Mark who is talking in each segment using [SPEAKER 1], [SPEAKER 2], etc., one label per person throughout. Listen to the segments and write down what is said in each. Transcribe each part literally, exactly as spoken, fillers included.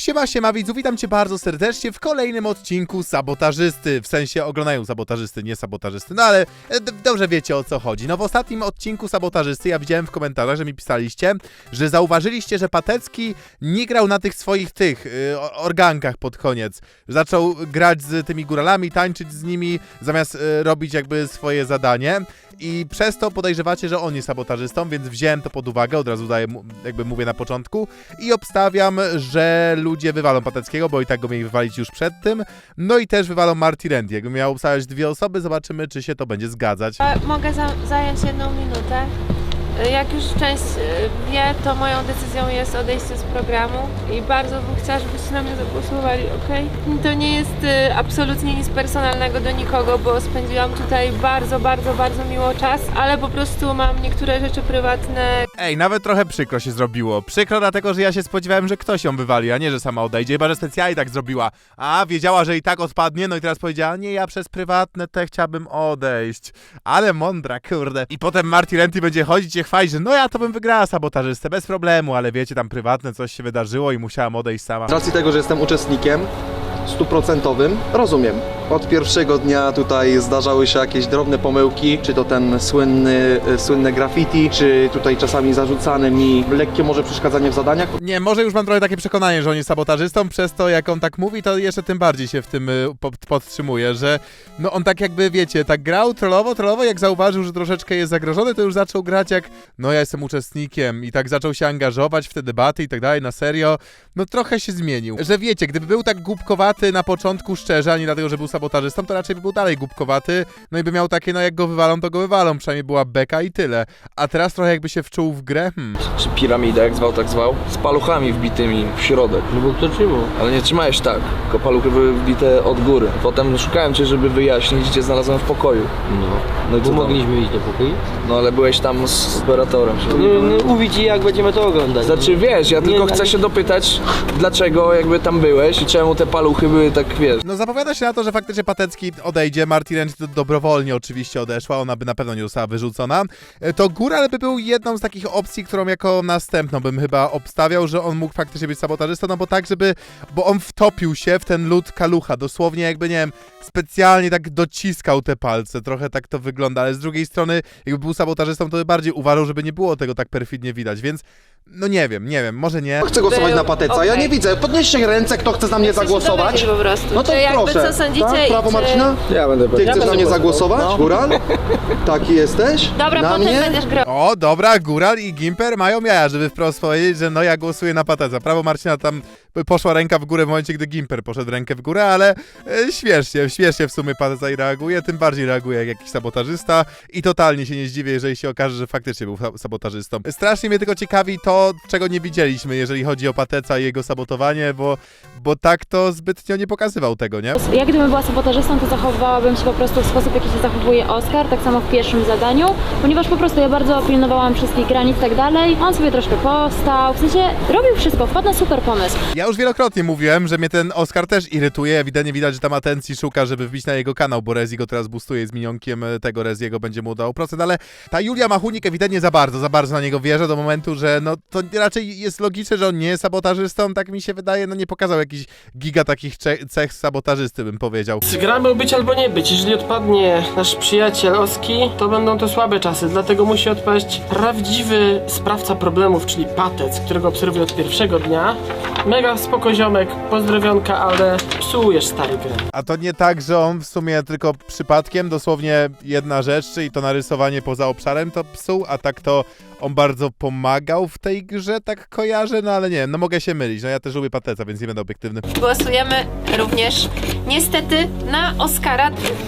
[SPEAKER 1] Siema, siema widzu, witam cię bardzo serdecznie w kolejnym odcinku Sabotażysty. W sensie oglądają Sabotażysty, nie Sabotażysty, no ale e, dobrze wiecie o co chodzi. No w ostatnim odcinku Sabotażysty ja widziałem w komentarzach, że mi pisaliście, że zauważyliście, że Patecki nie grał na tych swoich tych y, organkach pod koniec. Zaczął grać z tymi góralami, tańczyć z nimi, zamiast y, robić jakby swoje zadanie. I przez to podejrzewacie, że on jest sabotażystą, więc wziąłem to pod uwagę, od razu daję, jakby mówię na początku i obstawiam, że ludzie wywalą Pateckiego, bo i tak go mieli wywalić już przed tym, no i też wywalą Marty Randy. Jakbym miał obstawiać dwie osoby, zobaczymy, czy się to będzie zgadzać.
[SPEAKER 2] Mogę za zająć jedną minutę. Jak już część wie, to moją decyzją jest odejście z programu i bardzo bym chciała, żebyście na mnie zagłosowali, okej? Okay? To nie jest y, absolutnie nic personalnego do nikogo, bo spędziłam tutaj bardzo, bardzo, bardzo miło czas, ale po prostu mam niektóre rzeczy prywatne.
[SPEAKER 1] Ej, nawet trochę przykro się zrobiło. Przykro dlatego, że ja się spodziewałem, że ktoś ją wywali, a nie, że sama odejdzie, chyba że specjalnie tak zrobiła. A, wiedziała, że i tak odpadnie, no i teraz powiedziała, nie, ja przez prywatne te chciałabym odejść. Ale mądra, kurde. I potem Marty Randy będzie chodzić i chwalić, że no ja to bym wygrała sabotażystę, bez problemu, ale wiecie, tam prywatne coś się wydarzyło i musiałam odejść sama.
[SPEAKER 3] Z racji tego, że jestem uczestnikiem stuprocentowym, rozumiem. Od pierwszego dnia tutaj zdarzały się jakieś drobne pomyłki, czy to ten słynny, słynne graffiti, czy tutaj czasami zarzucane mi lekkie może przeszkadzanie w zadaniach.
[SPEAKER 1] Nie, może już mam trochę takie przekonanie, że on jest sabotażystą, przez to jak on tak mówi, to jeszcze tym bardziej się w tym y, pod, podtrzymuje, że no on tak jakby, wiecie, tak grał trollowo, trollowo, jak zauważył, że troszeczkę jest zagrożony, to już zaczął grać jak, no ja jestem uczestnikiem i tak zaczął się angażować w te debaty i tak dalej, na serio, no trochę się zmienił. Że wiecie, gdyby był tak głupkowaty na początku szczerze, a nie dlatego, że był sabotażystą, to raczej by był dalej głupkowaty, no i by miał takie, no jak go wywalą, to go wywalą, przynajmniej była beka i tyle. A teraz trochę jakby się wczuł w grę, hmm.
[SPEAKER 4] Czy piramidę, jak zwał, tak zwał, z paluchami wbitymi w środek.
[SPEAKER 5] No bo kto trzymał?
[SPEAKER 4] Ale nie trzymałeś tak, tylko paluchy były wbite od góry. Potem szukałem cię, żeby wyjaśnić, gdzie znalazłem w pokoju.
[SPEAKER 5] No,
[SPEAKER 4] No i
[SPEAKER 5] bo
[SPEAKER 4] co tam?
[SPEAKER 5] mogliśmy iść do pokoju?
[SPEAKER 4] No ale byłeś tam z operatorem.
[SPEAKER 5] No, no mówi ci, jak będziemy to oglądać.
[SPEAKER 4] Znaczy wiesz, ja
[SPEAKER 5] Nie,
[SPEAKER 4] tylko
[SPEAKER 5] no,
[SPEAKER 4] chcę
[SPEAKER 5] nie-
[SPEAKER 4] się dopytać, dlaczego jakby tam byłeś i czemu te paluchy były tak, wiesz.
[SPEAKER 1] No zapowiada się na to, że faktycznie Patecki odejdzie, Marty Randy to dobrowolnie oczywiście odeszła, ona by na pewno nie została wyrzucona. To Góral by był jedną z takich opcji, którą jako następną bym chyba obstawiał, że on mógł faktycznie być sabotażystą, no bo tak, żeby, bo on wtopił się w ten lód kalucha, dosłownie jakby, nie wiem, specjalnie tak dociskał te palce, trochę tak to wygląda, ale z drugiej strony, jakby był sabotażystą, to by bardziej uważał, żeby nie było tego tak perfidnie widać, więc no nie wiem, nie wiem, może nie.
[SPEAKER 3] Chcę głosować
[SPEAKER 2] Był-
[SPEAKER 3] na Pateca, ja
[SPEAKER 2] okej.
[SPEAKER 3] nie widzę. Podnieście ręce, kto chce na mnie zagłosować.
[SPEAKER 2] Po prostu.
[SPEAKER 3] No to
[SPEAKER 2] Czy jakby
[SPEAKER 3] proszę.
[SPEAKER 2] co sądzicie
[SPEAKER 3] Tak? Prawo
[SPEAKER 2] i czy...
[SPEAKER 3] Marcina?
[SPEAKER 4] Ja będę
[SPEAKER 3] Ty chcesz na mnie zagłosować, Góral? Taki jesteś?
[SPEAKER 2] Dobra,
[SPEAKER 3] na
[SPEAKER 2] potem
[SPEAKER 3] mnie?
[SPEAKER 2] będziesz grał.
[SPEAKER 1] O, dobra, Góral i Gimper mają jaja, żeby wprost powiedzieć, że no ja głosuję na Pateca. Prawo Marcina tam poszła ręka w górę w momencie, gdy Gimper poszedł rękę w górę, ale e, śmiesznie, śmiesznie w sumie Pateca i reaguje, tym bardziej reaguje jak jakiś sabotażysta i totalnie się nie zdziwię, jeżeli się okaże, że faktycznie był sa- sabotażystą. Strasznie mnie tylko ciekawi to, czego nie widzieliśmy, jeżeli chodzi o Pateca i jego sabotowanie, bo, bo tak to zbytnio nie pokazywał tego, nie?
[SPEAKER 6] Ja gdybym była sabotażystą, to zachowywałabym się po prostu w sposób, jaki się zachowuje Oskar, tak samo w pierwszym zadaniu, ponieważ po prostu ja bardzo pilnowałam wszystkich granic i tak dalej. On sobie troszkę postał, w sensie robił wszystko, wpadł na super pomysł.
[SPEAKER 1] Ja już wielokrotnie mówiłem, że mnie ten Oskar też irytuje, ewidentnie widać, że tam atencji szuka, żeby wbić na jego kanał, bo Rezi go teraz boostuje z minionkiem tego Reziego, będzie mu dawał procent, ale ta Julia Machunik ewidentnie za bardzo, za bardzo na niego wierzy do momentu, że no to raczej jest logiczne, że on nie jest sabotażystą, tak mi się wydaje, no nie pokazał jakiś giga takich cze- cech sabotażysty, bym powiedział.
[SPEAKER 7] Gra być albo nie być. Jeżeli odpadnie nasz przyjaciel Oski, to będą to słabe czasy, dlatego musi odpaść prawdziwy sprawca problemów, czyli Patec, którego obserwuję od pierwszego dnia. Mega spoko ziomek, pozdrowionka, ale psujesz stary grę.
[SPEAKER 1] A to nie tak, że on w sumie tylko przypadkiem, dosłownie jedna rzecz, czyli to narysowanie poza obszarem to psuł, a tak to on bardzo pomagał w tej grze, tak kojarzę, no ale nie wiem, no mogę się mylić, no ja też lubię Pateca, więc nie będę obiektywny.
[SPEAKER 2] Głosujemy również niestety na Oskara.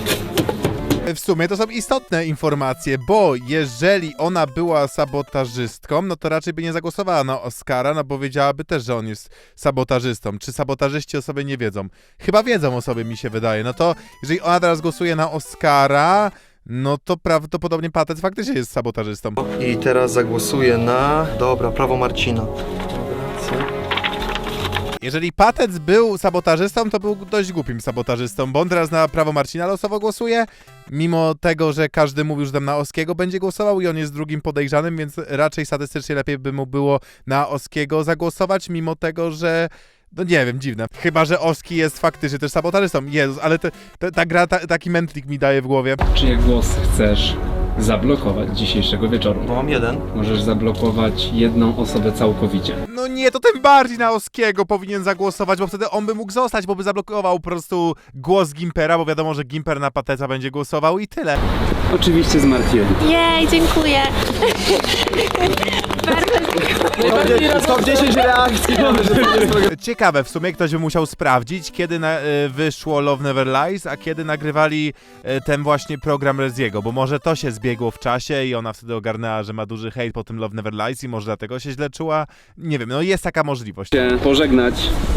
[SPEAKER 1] W sumie to są istotne informacje, bo jeżeli ona była sabotażystką, no to raczej by nie zagłosowała na Oskara, no bo wiedziałaby też, że on jest sabotażystą. Czy sabotażyści o sobie nie wiedzą? Chyba wiedzą o sobie, mi się wydaje. No to jeżeli ona teraz głosuje na Oskara, no to prawdopodobnie Patec faktycznie jest sabotażystą.
[SPEAKER 3] I teraz zagłosuję na... Dobra, prawo Marcina.
[SPEAKER 1] Jeżeli Patec był sabotażystą, to był dość głupim sabotażystą, bo on teraz na prawo Marcina losowo głosuje, mimo tego, że każdy mówił, że tam na Oskiego będzie głosował i on jest drugim podejrzanym, więc raczej statystycznie lepiej by mu było na Oskiego zagłosować, mimo tego, że No nie wiem, dziwne. Chyba, że Oski jest faktycznie też sabotażystą. Jezus, ale te, te, ta gra ta, taki mętlik mi daje w głowie.
[SPEAKER 8] Czyje głos chcesz zablokować dzisiejszego wieczoru?
[SPEAKER 3] Bo mam jeden.
[SPEAKER 8] Możesz zablokować jedną osobę całkowicie.
[SPEAKER 1] No nie, to tym bardziej na Oskiego powinien zagłosować, bo wtedy on by mógł zostać, bo by zablokował po prostu głos Gimpera, bo wiadomo, że Gimper na Pateca będzie głosował i tyle.
[SPEAKER 8] Oczywiście z Martinem.
[SPEAKER 2] Jej, dziękuję.
[SPEAKER 3] top dziesięć reakcji.
[SPEAKER 1] Ciekawe, w sumie ktoś by musiał sprawdzić, kiedy na, y, wyszło Love Never Lies, a kiedy nagrywali y, ten właśnie program Reziego, bo może to się zbiegło w czasie i ona wtedy ogarnęła, że ma duży hejt po tym Love Never Lies i może dlatego się źle czuła. Nie wiem, no jest taka możliwość.
[SPEAKER 8] Chcę pożegnać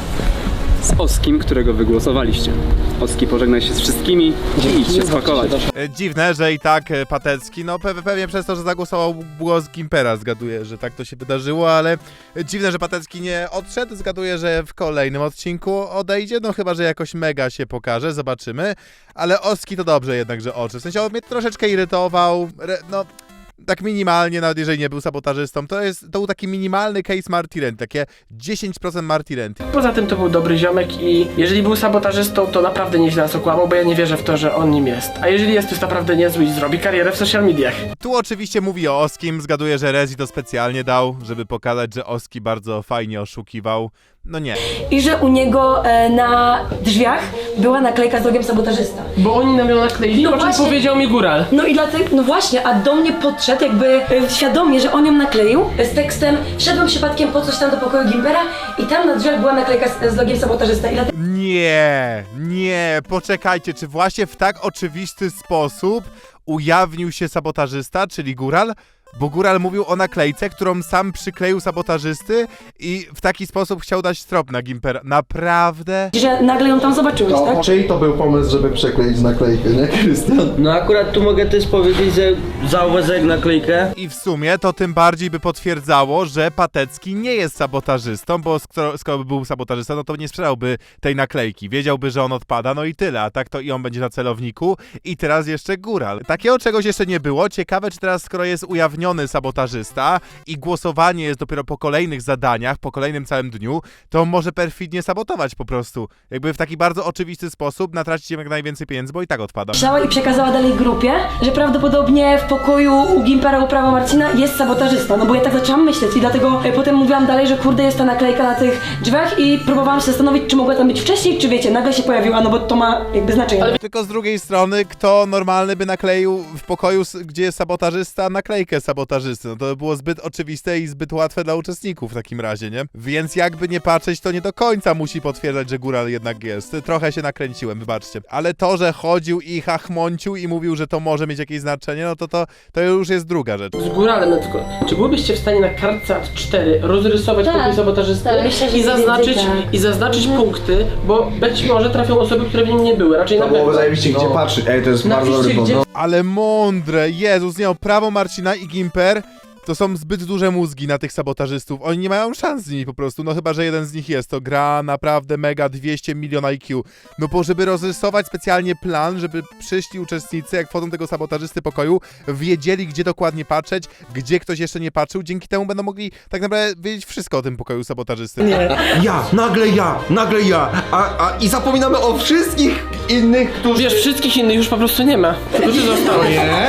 [SPEAKER 8] z Oskim, którego wygłosowaliście. Oski, pożegnaj się z wszystkimi i idź się spakować.
[SPEAKER 1] E, Dziwne, że i tak e, Patecki, no pe pewnie przez to, że zagłosował głos Gimpera, zgaduję, że tak to się wydarzyło, ale dziwne, że Patecki nie odszedł, zgaduję, że w kolejnym odcinku odejdzie, no chyba, że jakoś mega się pokaże, zobaczymy, ale Oski to dobrze jednak, że odszedł, w sensie on mnie troszeczkę irytował, re, no... Tak minimalnie, nawet jeżeli nie był sabotażystą, to jest, to był taki minimalny case Marty Renty, takie dziesięć procent Marty Renty.
[SPEAKER 7] Poza tym to był dobry ziomek i jeżeli był sabotażystą, to naprawdę nieźle nas okłamał, bo ja nie wierzę w to, że on nim jest. A jeżeli jest, to jest naprawdę niezły i zrobi karierę w social mediach.
[SPEAKER 1] Tu oczywiście mówi o Oskim, zgaduję, że Rezi to specjalnie dał, żeby pokazać, że Oski bardzo fajnie oszukiwał. No nie.
[SPEAKER 9] I że u niego e, na drzwiach była naklejka z logiem sabotażysta.
[SPEAKER 7] Bo oni nam ją nakleili,
[SPEAKER 9] No
[SPEAKER 7] o czym
[SPEAKER 9] właśnie.
[SPEAKER 7] powiedział mi Góral.
[SPEAKER 9] No i dlatego, no właśnie, a do mnie podszedł jakby e, świadomie, że on ją nakleił e, z tekstem wszedłem przypadkiem po coś tam do pokoju Gimpera i tam na drzwiach była naklejka z, z logiem sabotażysta i dlatego...
[SPEAKER 1] Nie, nie, poczekajcie, czy właśnie w tak oczywisty sposób ujawnił się sabotażysta, czyli Góral? Bo Góral mówił o naklejce, którą sam przykleił sabotażysty i w taki sposób chciał dać strop na Gimpera. Naprawdę?
[SPEAKER 9] że nagle ją tam zobaczyłeś, tak?
[SPEAKER 3] Czyj to był pomysł, żeby przekleić naklejkę, nie, Krystian?
[SPEAKER 5] No akurat tu mogę też powiedzieć, że zauważyłem naklejkę.
[SPEAKER 1] I w sumie to tym bardziej by potwierdzało, że Patecki nie jest sabotażystą, bo skoro, skoro by był sabotażystą, no to nie sprzedałby tej naklejki. Wiedziałby, że on odpada, no i tyle, a tak to i on będzie na celowniku. I teraz jeszcze Góral. Takiego czegoś jeszcze nie było. Ciekawe, czy teraz, skoro jest ujawniony sabotażysta i głosowanie jest dopiero po kolejnych zadaniach, po kolejnym całym dniu, to on może perfidnie sabotować po prostu. Jakby w taki bardzo oczywisty sposób natracić jak najwięcej pieniędzy, bo i tak odpada.
[SPEAKER 9] Pisała i przekazała dalej grupie, że prawdopodobnie w pokoju u Gimpera, u prawa Marcina jest sabotażysta, no bo ja tak zaczęłam myśleć i dlatego e, potem mówiłam dalej, że kurde jest ta naklejka na tych drzwiach i próbowałam się zastanowić, czy mogła tam być wcześniej, czy wiecie, nagle się pojawiła, no bo to ma jakby znaczenie. Ale...
[SPEAKER 1] Tylko z drugiej strony, kto normalny by nakleił w pokoju, s- gdzie jest sabotażysta, naklejkę sabotażysty? No to by było zbyt oczywiste i zbyt łatwe dla uczestników w takim razie, nie? Więc jakby nie patrzeć, to nie do końca musi potwierdzać, że Góral jednak jest. Trochę się nakręciłem, wybaczcie. Ale to, że chodził i chachmącił i mówił, że to może mieć jakieś znaczenie, no to to, to już jest druga rzecz.
[SPEAKER 7] Z Góralem, no tylko, czy byłybyście w stanie na kartce A cztery rozrysować
[SPEAKER 6] Tak,
[SPEAKER 7] pokój sabotażysty
[SPEAKER 6] tak, myślę, że
[SPEAKER 7] i
[SPEAKER 6] mniej
[SPEAKER 7] zaznaczyć,
[SPEAKER 6] więcej tak.
[SPEAKER 7] i zaznaczyć punkty, bo być może trafią osoby, które w nim nie były, raczej na
[SPEAKER 3] To byłoby
[SPEAKER 7] pewno.
[SPEAKER 3] zajebiście, gdzie patrzeć. Ej, to jest bardzo dobry
[SPEAKER 7] Napiszcie,
[SPEAKER 3] pomysł.
[SPEAKER 1] Ale mądre, Jezus, nie, prawo Marcina i Gimper to są zbyt duże mózgi na tych sabotażystów. Oni nie mają szans z nimi po prostu, no chyba, że jeden z nich jest. To gra naprawdę mega dwieście milion I Q. No bo żeby rozrysować specjalnie plan, żeby przyszli uczestnicy, jak wchodzą do tego sabotażysty pokoju, wiedzieli, gdzie dokładnie patrzeć, gdzie ktoś jeszcze nie patrzył. Dzięki temu będą mogli tak naprawdę wiedzieć wszystko o tym pokoju sabotażysty. Nie.
[SPEAKER 10] Ja, nagle ja, nagle ja, a, a i zapominamy o wszystkich innych, którzy...
[SPEAKER 7] Wiesz, wszystkich innych już po prostu nie ma. Którzy zostały?
[SPEAKER 10] Nie,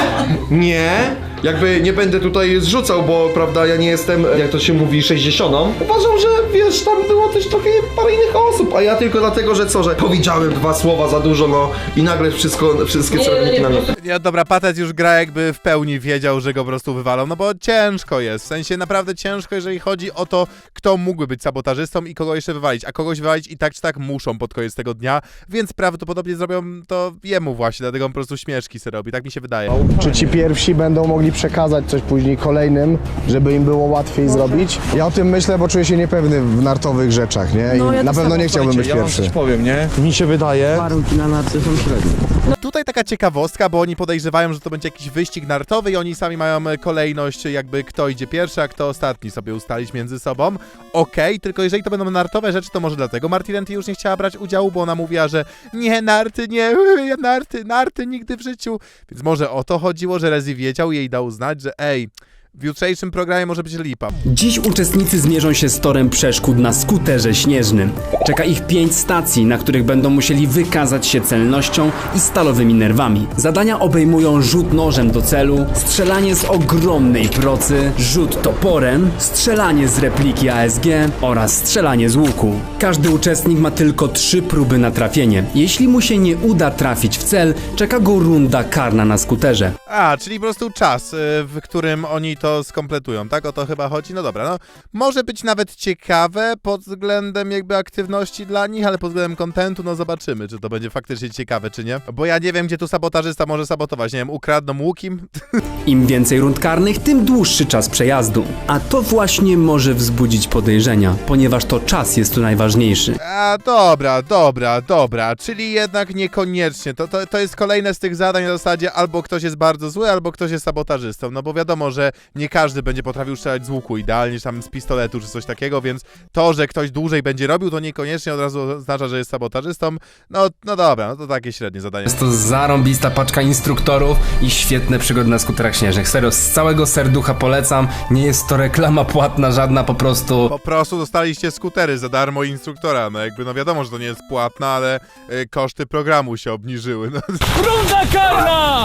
[SPEAKER 10] nie, jakby nie będę tutaj zrzucał, bo prawda, ja nie jestem, jak to się mówi, sześćdziesiątą. Uważam, że wiesz, tam było też trochę parę innych osób, a ja tylko dlatego, że co, że powiedziałem dwa słowa za dużo, no i nagle wszystko, wszystkie
[SPEAKER 7] Nie,
[SPEAKER 10] celowniki
[SPEAKER 7] nie,
[SPEAKER 10] na mnie.
[SPEAKER 7] po prostu-
[SPEAKER 1] Ja, dobra, Patec już gra jakby w pełni wiedział, że go po prostu wywalą, no bo ciężko jest, w sensie naprawdę ciężko, jeżeli chodzi o to, kto mógłby być sabotażystą i kogo jeszcze wywalić, a kogoś wywalić i tak czy tak muszą pod koniec tego dnia, więc prawdopodobnie zrobią to jemu właśnie, dlatego on po prostu śmieszki sobie robi, tak mi się wydaje.
[SPEAKER 11] Czy ci pierwsi będą mogli przekazać coś później kolejnym, żeby im było łatwiej zrobić? Ja o tym myślę, bo czuję się niepewny w nartowych rzeczach, nie? I
[SPEAKER 9] No, ja
[SPEAKER 11] na
[SPEAKER 9] tak
[SPEAKER 11] pewno
[SPEAKER 9] samo.
[SPEAKER 11] nie chciałbym być
[SPEAKER 10] Ja wam
[SPEAKER 11] pierwszy.
[SPEAKER 10] coś powiem, nie?
[SPEAKER 11] Mi się wydaje...
[SPEAKER 5] Warunki na narty są średnie.
[SPEAKER 1] Tutaj taka ciekawostka, bo oni podejrzewają, że to będzie jakiś wyścig nartowy i oni sami mają kolejność, jakby kto idzie pierwszy, a kto ostatni sobie ustalić między sobą. Okej, tylko jeżeli to będą nartowe rzeczy, to może dlatego Marty Renty już nie chciała brać udziału, bo ona mówiła, że nie, narty, nie, narty, narty nigdy w życiu. Więc może o to chodziło, że Rezi wiedział i jej dał znać, że ej, w jutrzejszym programie może być lipa.
[SPEAKER 12] Dziś uczestnicy zmierzą się z torem przeszkód na skuterze śnieżnym. Czeka ich pięć stacji, na których będą musieli wykazać się celnością i stalowymi nerwami. Zadania obejmują rzut nożem do celu, strzelanie z ogromnej procy, rzut toporem, strzelanie z repliki A S G oraz strzelanie z łuku. Każdy uczestnik ma tylko trzy próby na trafienie. Jeśli mu się nie uda trafić w cel, czeka go runda karna na skuterze.
[SPEAKER 1] A, czyli po prostu czas, y, w którym oni to skompletują, tak? O to chyba chodzi? No dobra, no może być nawet ciekawe pod względem jakby aktywności dla nich, ale pod względem kontentu, no zobaczymy, czy to będzie faktycznie ciekawe, czy nie. Bo ja nie wiem, gdzie tu sabotażysta może sabotować, nie wiem, ukradną łukim?
[SPEAKER 12] Im więcej rund karnych, tym dłuższy czas przejazdu. A to właśnie może wzbudzić podejrzenia, ponieważ to czas jest tu najważniejszy.
[SPEAKER 1] A, dobra, dobra, dobra, czyli jednak niekoniecznie. To, to, to jest kolejne z tych zadań na zasadzie albo ktoś jest bardzo zły, albo ktoś jest sabotażystą, no bo wiadomo, że nie każdy będzie potrafił strzelać z łuku idealnie, czy tam z pistoletu, czy coś takiego, więc to, że ktoś dłużej będzie robił, to niekoniecznie od razu oznacza, że jest sabotażystą. No, no dobra, no to takie średnie zadanie.
[SPEAKER 13] Jest to zarąbista paczka instruktorów i świetne przygody na skuterach śnieżnych. Serio, z całego serducha polecam. Nie jest to reklama płatna żadna, po prostu...
[SPEAKER 1] Po prostu dostaliście skutery za darmo instruktora, no jakby, no wiadomo, że to nie jest płatne, ale y, koszty programu się obniżyły, no.
[SPEAKER 8] Runda karna!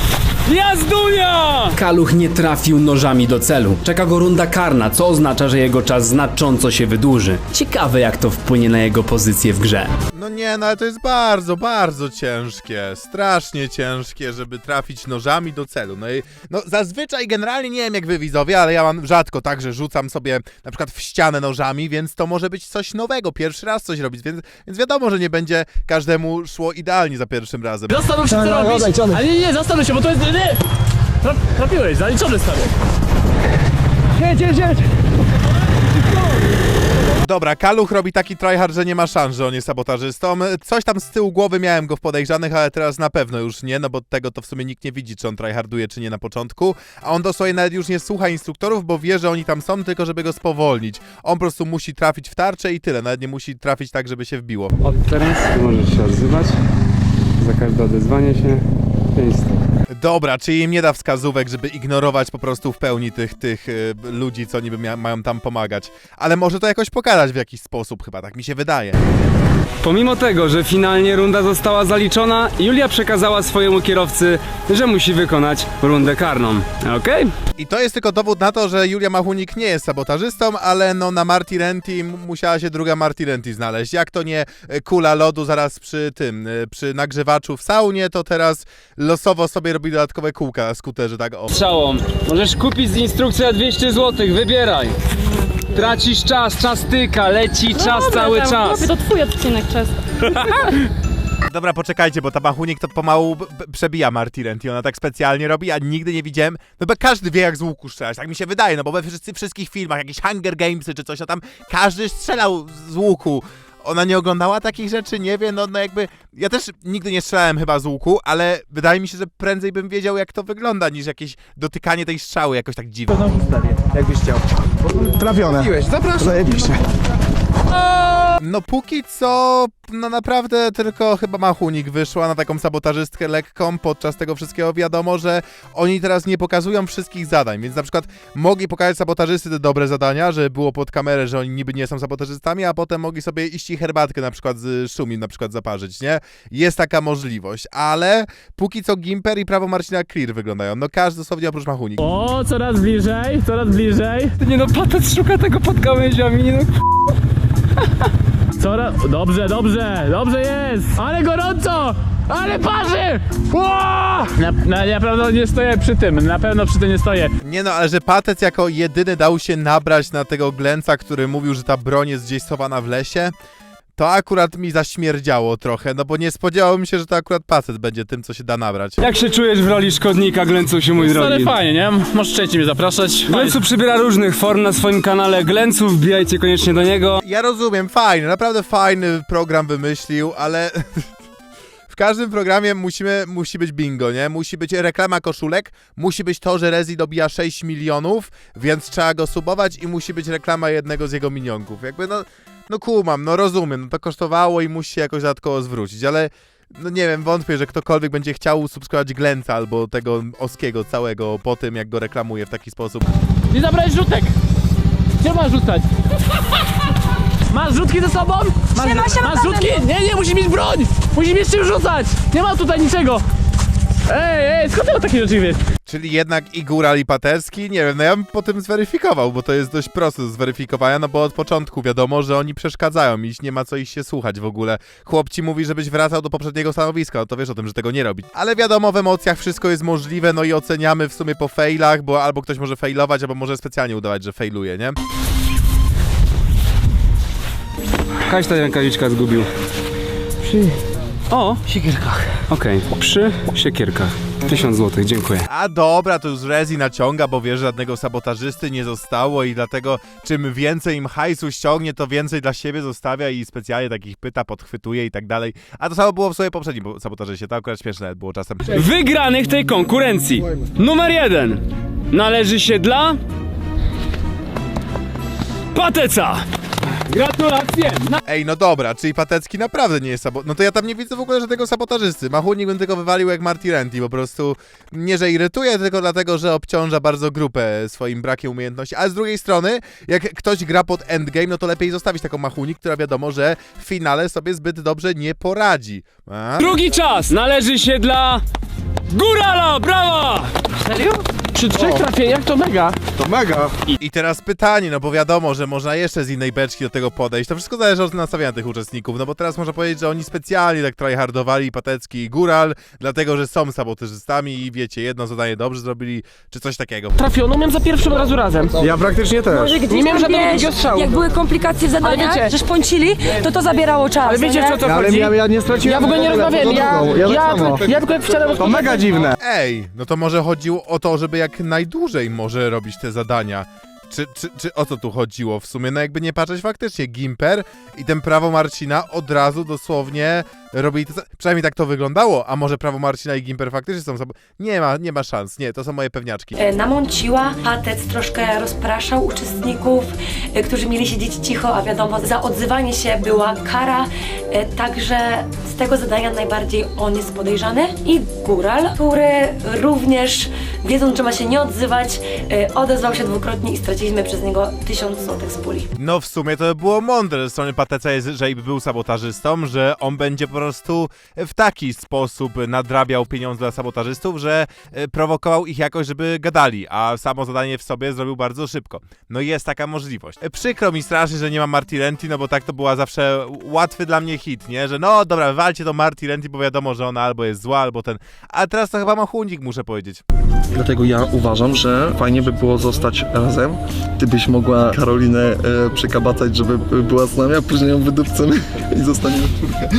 [SPEAKER 8] Jazdunia!
[SPEAKER 12] Kaluch nie trafił nożami do celu. Czeka go runda karna, co oznacza, że jego czas znacząco się wydłuży. Ciekawe, jak to wpłynie na jego pozycję w grze.
[SPEAKER 1] No nie, no ale to jest bardzo, bardzo ciężkie, strasznie ciężkie, żeby trafić nożami do celu. No i no zazwyczaj generalnie nie wiem jak wy widzowie, ale ja mam rzadko tak, że rzucam sobie na przykład w ścianę nożami, więc to może być coś nowego, pierwszy raz coś robić, więc, więc wiadomo, że nie będzie każdemu szło idealnie za pierwszym razem.
[SPEAKER 8] Zastanów się, co robisz. Ale nie, nie, zastanów się, bo to jest... Nie. Traf, trafiłeś, zaliczony stary. Jedź, jedź, jedź.
[SPEAKER 1] Dobra, Kaluch robi taki tryhard, że nie ma szans, że on jest sabotażystą. Coś tam z tyłu głowy miałem go w podejrzanych, ale teraz na pewno już nie, no bo tego to w sumie nikt nie widzi, czy on tryharduje, czy nie na początku. A on dosłownie nawet już nie słucha instruktorów, bo wie, że oni tam są, tylko żeby go spowolnić. On po prostu musi trafić w tarczę i tyle, nawet nie musi trafić tak, żeby się wbiło.
[SPEAKER 8] Od teraz możesz się odzywać. Za każde odezwanie się pięć stóp.
[SPEAKER 1] Dobra, czyli im nie da wskazówek, żeby ignorować po prostu w pełni tych, tych y, ludzi, co niby mia- mają tam pomagać. Ale może to jakoś pokazać w jakiś sposób chyba, tak mi się wydaje.
[SPEAKER 8] Pomimo tego, że finalnie runda została zaliczona, Julia przekazała swojemu kierowcy, że musi wykonać rundę karną. Okej? Okay?
[SPEAKER 1] I to jest tylko dowód na to, że Julia Machunik nie jest sabotażystą, ale no na Marty Renty musiała się druga Marty Renty znaleźć. Jak to nie kula lodu zaraz przy tym, przy nagrzewaczu w saunie, to teraz losowo sobie robi dodatkowe kółka na skuterze, tak o.
[SPEAKER 8] Strzałom. Możesz kupić z instrukcji za dwieście złotych, wybieraj. Tracisz czas, czas tyka, leci
[SPEAKER 6] No
[SPEAKER 8] czas
[SPEAKER 6] dobra,
[SPEAKER 8] cały
[SPEAKER 6] tam,
[SPEAKER 8] czas.
[SPEAKER 6] chłopie, to twój odcinek czas.
[SPEAKER 1] Dobra, poczekajcie, bo ta Machunik to pomału b- b- przebija Marty Renty, ona tak specjalnie robi, a nigdy nie widziałem, no bo każdy wie jak z łuku strzelać, tak mi się wydaje, no bo we wszyscy, wszystkich filmach, jakieś Hunger Gamesy czy coś, no tam każdy strzelał z łuku. Ona nie oglądała takich rzeczy, nie wie, no, no jakby, ja też nigdy nie strzelałem chyba z łuku, ale wydaje mi się, że prędzej bym wiedział jak to wygląda, niż jakieś dotykanie tej strzały jakoś tak dziwnie.
[SPEAKER 11] Jakbyś chciał. Trafione. Zapraszam. Zajebiście.
[SPEAKER 1] No póki co, no naprawdę tylko chyba Machunik wyszła na taką sabotażystkę lekką. Podczas tego wszystkiego wiadomo, że oni teraz nie pokazują wszystkich zadań, więc na przykład mogli pokazać sabotażysty te dobre zadania, że było pod kamerę, że oni niby nie są sabotażystami, a potem mogli sobie iść i herbatkę na przykład z Szumim na przykład zaparzyć, nie? Jest taka możliwość, ale póki co Gimper i prawo Marcina Clear wyglądają. No każdy dosłownie oprócz Machunik.
[SPEAKER 8] O, coraz bliżej, coraz bliżej. Nie no, Patec szuka tego pod gałęziami, nie no. Coraz... Dobrze, dobrze, dobrze jest! Ale gorąco! Ale parzy! Na, na, na pewno nie stoję przy tym, na pewno przy tym nie stoję.
[SPEAKER 1] Nie no, ale że Patec jako jedyny dał się nabrać na tego Glęca, który mówił, że ta broń jest gdzieś schowana w lesie, to akurat mi zaśmierdziało trochę, no bo nie spodziewałem się, że to akurat Patec będzie tym, co się da nabrać.
[SPEAKER 8] Jak się czujesz w roli szkodnika, Glęcusiu, mój drogi? Ale fajnie, nie? Możesz częściej mnie zapraszać. Glęcu przybiera różnych form na swoim kanale Glęcu, wbijajcie koniecznie do niego.
[SPEAKER 1] Ja rozumiem, fajny, naprawdę fajny program wymyślił, ale... W każdym programie musimy, musi być bingo, nie? Musi być reklama koszulek, musi być to, że Rezi dobija sześć milionów, więc trzeba go subować i musi być reklama jednego z jego minionków. Jakby no, no kumam, no rozumiem, no to kosztowało i musi się jakoś dodatkowo zwrócić, ale no nie wiem, wątpię, że ktokolwiek będzie chciał subskrybować Glęca albo tego Oskiego całego po tym, jak go reklamuje w taki sposób.
[SPEAKER 8] Nie zabrałeś rzutek! Gdzie masz rzucać? Masz rzutki ze sobą? Masz,
[SPEAKER 9] Siema, siema,
[SPEAKER 8] masz rzutki? Nie, nie, musisz mieć broń! Musisz mieć czym rzucać! Nie ma tutaj niczego! Ej, ej, skąd ty o takie rzeczy wiesz?
[SPEAKER 1] Czyli jednak i Góral, i Patecki, nie wiem, no ja bym po tym zweryfikował, bo to jest dość proste do zweryfikowania, no bo od początku wiadomo, że oni przeszkadzają i nie ma co ich się słuchać w ogóle. Chłop ci mówi, żebyś wracał do poprzedniego stanowiska, no to wiesz o tym, że tego nie robi. Ale wiadomo, w emocjach wszystko jest możliwe, no i oceniamy w sumie po failach, bo albo ktoś może failować, albo może specjalnie udawać, że failuje, nie?
[SPEAKER 13] Kaś ta rękawiczka zgubił. Przy... O!
[SPEAKER 5] Siekierkach.
[SPEAKER 13] Okej, przy siekierkach. Tysiąc złotych, dziękuję.
[SPEAKER 1] A dobra, to już Rezi naciąga, bo wie, że żadnego sabotażysty nie zostało i dlatego czym więcej im hajsu ściągnie, to więcej dla siebie zostawia i specjalnie takich pyta, podchwytuje i tak dalej. A to samo było w sobie poprzednim sabotażyście, to akurat śmieszne nawet było czasem.
[SPEAKER 12] Wygranych tej konkurencji. Numer jeden należy się dla... Pateca!
[SPEAKER 8] Gratulacje! Na...
[SPEAKER 1] Ej, no dobra, czyli Patecki naprawdę nie jest sabot... No to ja tam nie widzę w ogóle żadnego sabotażysty. Machunik bym tylko wywalił jak Marty Renty, po prostu nie, że irytuje, tylko dlatego, że obciąża bardzo grupę swoim brakiem umiejętności. Ale z drugiej strony, jak ktoś gra pod endgame, no to lepiej zostawić taką Machunik, która wiadomo, że w finale sobie zbyt dobrze nie poradzi. A?
[SPEAKER 12] Drugi czas należy się dla... Górala! Brawa!
[SPEAKER 8] Serio? Przy trzech trafieniach to mega.
[SPEAKER 10] To mega.
[SPEAKER 1] I, I teraz pytanie, no bo wiadomo, że można jeszcze z innej beczki do tego podejść. To wszystko zależy od nastawienia tych uczestników, no bo teraz można powiedzieć, że oni specjalnie tak tryhardowali Patecki i Góral, dlatego, że są sabotażystami i wiecie, jedno zadanie dobrze zrobili, czy coś takiego.
[SPEAKER 7] Trafiono miałem za pierwszym razu razem.
[SPEAKER 10] Ja praktycznie też.
[SPEAKER 9] Może gdzieś
[SPEAKER 7] Nie miałem
[SPEAKER 9] tam,
[SPEAKER 7] żadnego
[SPEAKER 9] wiesz,
[SPEAKER 7] drugiego strzału.
[SPEAKER 9] jak były komplikacje w zadaniach,
[SPEAKER 7] wiecie-
[SPEAKER 9] że szponcili, to to zabierało czas.
[SPEAKER 7] Ale wiecie,
[SPEAKER 9] nie?
[SPEAKER 7] o co
[SPEAKER 10] Ale
[SPEAKER 7] chodzi?
[SPEAKER 10] ja, ja nie straciłem...
[SPEAKER 7] Ja w ogóle nie rozmawiałem, ja,
[SPEAKER 10] ja,
[SPEAKER 7] ja,
[SPEAKER 10] tak samo.
[SPEAKER 7] ja tylko jak wczoraj...
[SPEAKER 10] To mega dziwne.
[SPEAKER 1] Ej, no to może chodziło o to, żeby jak najdłużej może robić te zadania. Czy, czy, czy o co tu chodziło w sumie? No jakby nie patrzeć, faktycznie Gimper i ten prawo Marcina od razu dosłownie robili to, przynajmniej tak to wyglądało, a może prawo Marcina i Gimper faktycznie są sab... Nie ma, nie ma szans, nie, to są moje pewniaczki.
[SPEAKER 9] E, Namąciła, Patec troszkę rozpraszał uczestników, e, którzy mieli siedzieć cicho, a wiadomo, za odzywanie się była kara, e, także z tego zadania najbardziej on jest podejrzany. I Góral, który również, wiedząc, że ma się nie odzywać, e, odezwał się dwukrotnie i straciliśmy przez niego tysiąc złotych z puli.
[SPEAKER 1] No w sumie to by było mądre ze strony Pateca, jeżeli by był sabotażystą, że on będzie po prostu w taki sposób nadrabiał pieniądze dla sabotażystów, że e, prowokował ich jakoś, żeby gadali, a samo zadanie w sobie zrobił bardzo szybko. No jest taka możliwość. E, Przykro mi strasznie, że nie ma Marty Renty, no bo tak to była zawsze łatwy dla mnie hit, nie? Że no dobra, walcie to Marty Renty, bo wiadomo, że ona albo jest zła, albo ten... A teraz to chyba Machunik, muszę powiedzieć.
[SPEAKER 3] Dlatego ja uważam, że fajnie by było zostać razem. Ty byś mogła Karolinę e, przekabacać, żeby była z nami, a później ją wydupcemy i zostaniemy w czwórkę.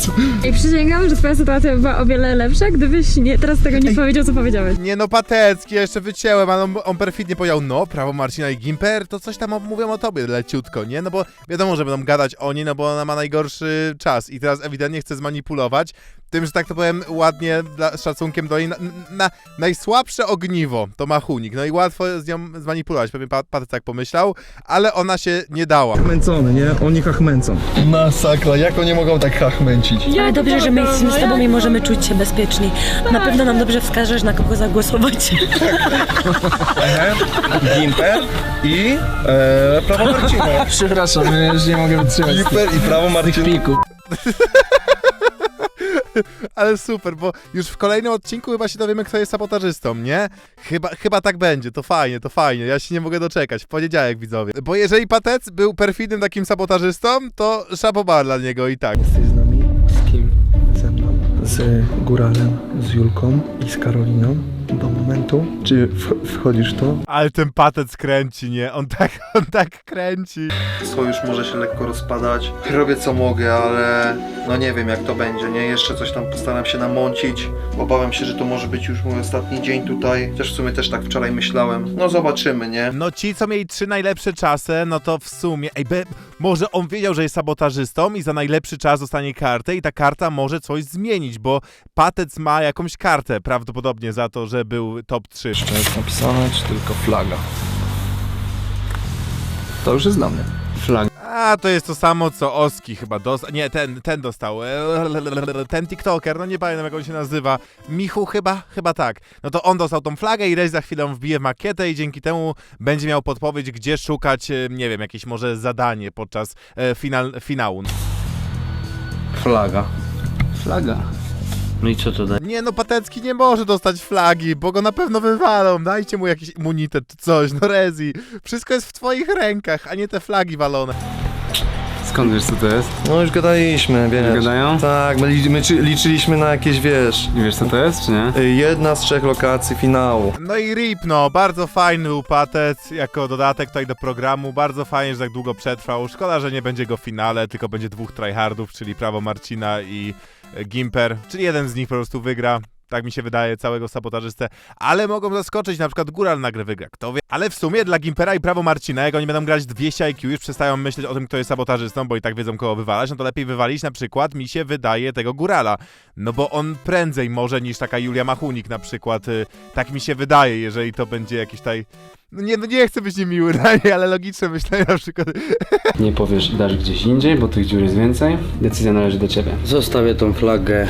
[SPEAKER 6] I przysięgam, że twoja sytuacja była o wiele lepsza, gdybyś nie, teraz tego nie powiedział, co powiedziałeś.
[SPEAKER 1] Nie no, Patecki, ja jeszcze wycięłem, ale on, on perfidnie powiedział, no, prawo Marcina i Gimper, to coś tam mówią o tobie leciutko, nie? No bo wiadomo, że będą gadać o niej, no bo ona ma najgorszy czas i teraz ewidentnie chce zmanipulować tym, że tak to powiem ładnie, dla, z szacunkiem do niej, na, na, najsłabsze ogniwo to Machunik, no i łatwo z nią zmanipulować, pewnie Patec tak pomyślał, ale ona się nie dała.
[SPEAKER 10] Hachmęcony, nie? Oni hachmęcą. Masakra, jak oni mogą tak hachmęcić?
[SPEAKER 9] Ale dobrze, że my jesteśmy z tobą i możemy czuć się bezpieczni. Na pewno nam dobrze wskażesz, na kogo zagłosować.
[SPEAKER 10] Gimper i e, prawo Marcina.
[SPEAKER 4] Przepraszam, ja już nie mogę wytrzymać.
[SPEAKER 10] Gimper i prawo Marcina.
[SPEAKER 1] Ale super, bo już w kolejnym odcinku chyba się dowiemy, kto jest sabotażystą, nie? Chyba, chyba tak będzie, to fajnie, to fajnie, ja się nie mogę doczekać, w poniedziałek, widzowie. Bo jeżeli Patec był perfidnym takim sabotażystą, to szapobar dla niego i tak.
[SPEAKER 3] Jesteś z nami? Z kim? Ze mną. Z Góralem, z Julką i z Karoliną. Do momentu, czy w, wchodzisz w to?
[SPEAKER 1] Ale ten Patec kręci, nie? On tak, on tak kręci.
[SPEAKER 3] Sojusz może się lekko rozpadać. Robię co mogę, ale no nie wiem jak to będzie, nie? Jeszcze coś tam postaram się namącić. Obawiam się, że to może być już mój ostatni dzień tutaj. Chociaż w sumie też tak wczoraj myślałem. No zobaczymy, nie?
[SPEAKER 1] No ci, co mieli trzy najlepsze czasy, no to w sumie, ej, be, może on wiedział, że jest sabotażystą i za najlepszy czas dostanie kartę i ta karta może coś zmienić, bo Patec ma jakąś kartę prawdopodobnie za to, że był top trzy.
[SPEAKER 4] Jeszcze jest napisane, czy tylko flaga? To już jest dla mnie.
[SPEAKER 1] Flag. A, to jest to samo, co Oski chyba dostał. Nie, ten, ten dostał. Ten TikToker, no nie pamiętam jak on się nazywa. Michu chyba? Chyba tak. No to on dostał tą flagę i Rezi za chwilę wbije w makietę i dzięki temu będzie miał podpowiedź, gdzie szukać, nie wiem, jakieś może zadanie podczas e, final, finału.
[SPEAKER 5] Flaga.
[SPEAKER 8] Flaga.
[SPEAKER 5] No i co to da?
[SPEAKER 1] Nie no, Patecki nie może dostać flagi, bo go na pewno wywalą. Dajcie mu jakiś immunitet czy coś, no Rezi. Wszystko jest w twoich rękach, a nie te flagi walone.
[SPEAKER 13] Skąd wiesz co to jest?
[SPEAKER 3] No już gadaliśmy, wiesz.
[SPEAKER 13] Gadają?
[SPEAKER 3] Tak, my, li- my czy- liczyliśmy na jakieś, wiesz...
[SPEAKER 13] I wiesz co to jest, czy nie?
[SPEAKER 3] y, Jedna z trzech lokacji finału.
[SPEAKER 1] No i R I P, no, bardzo fajny był Patec jako dodatek tutaj do programu, bardzo fajnie, że tak długo przetrwał. Szkoda, że nie będzie go w finale, tylko będzie dwóch tryhardów, czyli Prawo Marcina i e, Gimper, czyli jeden z nich po prostu wygra. Tak mi się wydaje, całego sabotażystę, ale mogą zaskoczyć, na przykład Góral nagle wygra, kto wie. Ale w sumie dla Gimpera i Prawo Marcina, jak oni będą grać dwieście I Q, już przestają myśleć o tym, kto jest sabotażystą, bo i tak wiedzą, kogo wywalać, no to lepiej wywalić na przykład, mi się wydaje, tego Górala. No bo on prędzej może niż taka Julia Machunik na przykład, y, tak mi się wydaje, jeżeli to będzie jakiś taj... No nie, no nie chcę być niemiły na nie, ale logiczne myślenie na przykład.
[SPEAKER 12] Nie powiesz, dasz gdzieś indziej, bo tych dziur jest więcej. Decyzja należy do ciebie.
[SPEAKER 5] Zostawię tą flagę.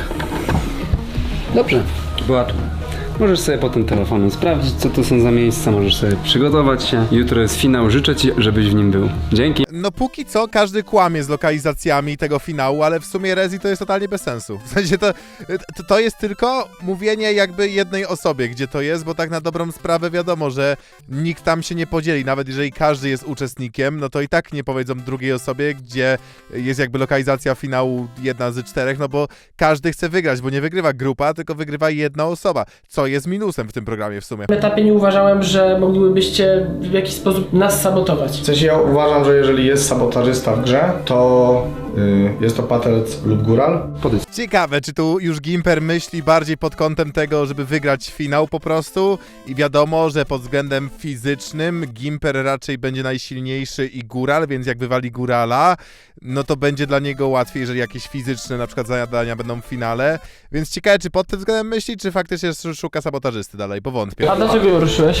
[SPEAKER 12] Dobrze.
[SPEAKER 5] Była tu.
[SPEAKER 12] Możesz sobie potem telefonem sprawdzić, co to są za miejsca, możesz sobie przygotować się. Jutro jest finał, życzę ci, żebyś w nim był. Dzięki.
[SPEAKER 1] No póki co każdy kłamie z lokalizacjami tego finału, ale w sumie Rezi to jest totalnie bez sensu. W sensie to, to, to jest tylko mówienie jakby jednej osobie, gdzie to jest, bo tak na dobrą sprawę wiadomo, że nikt tam się nie podzieli. Nawet jeżeli każdy jest uczestnikiem, no to i tak nie powiedzą drugiej osobie, gdzie jest jakby lokalizacja finału jedna z czterech, no bo każdy chce wygrać, bo nie wygrywa grupa, tylko wygrywa jedna osoba, co jest minusem w tym programie w sumie.
[SPEAKER 7] W etapie nie uważałem, że moglibyście w jakiś sposób nas sabotować.
[SPEAKER 11] W sensie ja uważam, że jeżeli jest sabotażysta w grze, to y, jest to Patec lub Góral.
[SPEAKER 1] Ciekawe, czy tu już Gimper myśli bardziej pod kątem tego, żeby wygrać finał po prostu i wiadomo, że pod względem fizycznym Gimper raczej będzie najsilniejszy i Góral, więc jak wywali Górala, no to będzie dla niego łatwiej, jeżeli jakieś fizyczne na przykład zadania będą w finale, więc ciekawe, czy pod tym względem myśli, czy faktycznie szuka sabotażysty dalej, bo wątpię.
[SPEAKER 7] A dlaczego ją ruszyłeś?
[SPEAKER 3] Y,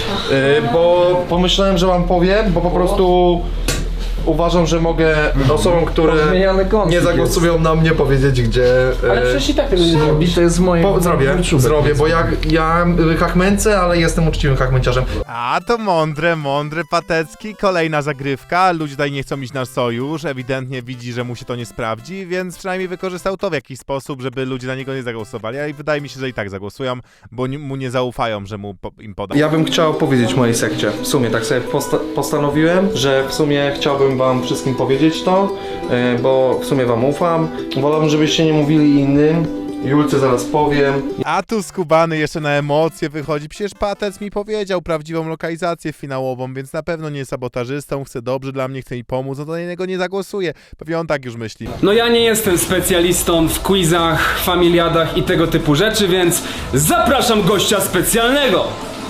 [SPEAKER 3] bo pomyślałem, że wam powiem, bo po prostu uważam, że mogę osobom, które nie zagłosują na mnie, powiedzieć, gdzie... y,
[SPEAKER 7] Ale przecież i tak tego nie zrobisz.
[SPEAKER 4] To jest moje...
[SPEAKER 3] Po, zrobię, zrobię, bo ja, ja hachmęcę, ale jestem uczciwym hachmęciarzem.
[SPEAKER 1] A to mądre, mądre Patecki, kolejna zagrywka, ludzie tutaj nie chcą iść na sojusz, ewidentnie widzi, że mu się to nie sprawdzi, więc przynajmniej wykorzystał to w jakiś sposób, żeby ludzie na niego nie zagłosowali, a i wydaje mi się, że i tak zagłosują, bo ni- mu nie zaufają, że mu po- im poda.
[SPEAKER 3] Ja bym chciał powiedzieć mojej sekcie, w sumie tak sobie posta- postanowiłem, że w sumie chciałbym wam wszystkim powiedzieć to, yy, bo w sumie wam ufam, wolałbym, żebyście nie mówili innym, Julce zaraz powiem.
[SPEAKER 1] A tu skubany jeszcze na emocje wychodzi, przecież Patec mi powiedział prawdziwą lokalizację finałową, więc na pewno nie jest sabotażystą, chce dobrze dla mnie, chce mi pomóc, no to na niego nie zagłosuje, pewnie on tak już myśli.
[SPEAKER 12] No ja nie jestem specjalistą w quizach, familiadach i tego typu rzeczy, więc zapraszam gościa specjalnego!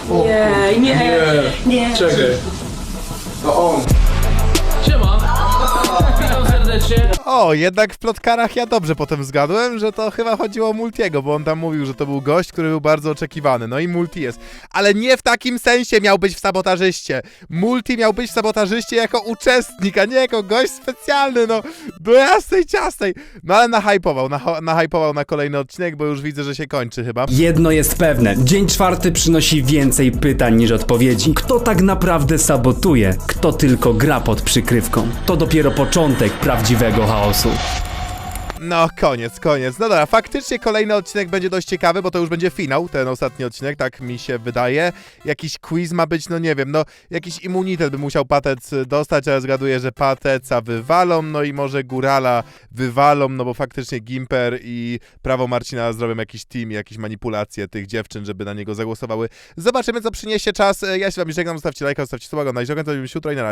[SPEAKER 9] Nie, nie, nie.
[SPEAKER 3] Czekaj. To on.
[SPEAKER 7] Siema. Witam serdecznie.
[SPEAKER 1] O, jednak w plotkarach ja dobrze potem zgadłem, że to chyba chodziło o Multiego, bo on tam mówił, że to był gość, który był bardzo oczekiwany. No i Multi jest. Ale nie w takim sensie miał być w sabotażyście. Multi miał być w sabotażyście jako uczestnik, a nie jako gość specjalny, no. Do jasnej ciasnej. No ale nahypował, nah- nahypował na kolejny odcinek, bo już widzę, że się kończy chyba.
[SPEAKER 12] Jedno jest pewne, dzień czwarty przynosi więcej pytań niż odpowiedzi. Kto tak naprawdę sabotuje? Kto tylko gra pod przykrywką? To dopiero początek prawdziwego chaosu.
[SPEAKER 1] No, koniec, koniec. No dobra, faktycznie kolejny odcinek będzie dość ciekawy, bo to już będzie finał, ten ostatni odcinek, tak mi się wydaje. Jakiś quiz ma być, no nie wiem, no jakiś immunitet by musiał Patec dostać, ale zgaduję, że Pateca wywalą, no i może Górala wywalą, no bo faktycznie Gimper i Prawo Marcina zrobią jakiś team, jakieś manipulacje tych dziewczyn, żeby na niego zagłosowały. Zobaczymy, co przyniesie czas. Ja się wam żegnam, zostawcie lajka, zostawcie suba, oglądajcie, oglądajcie jutro i na razie.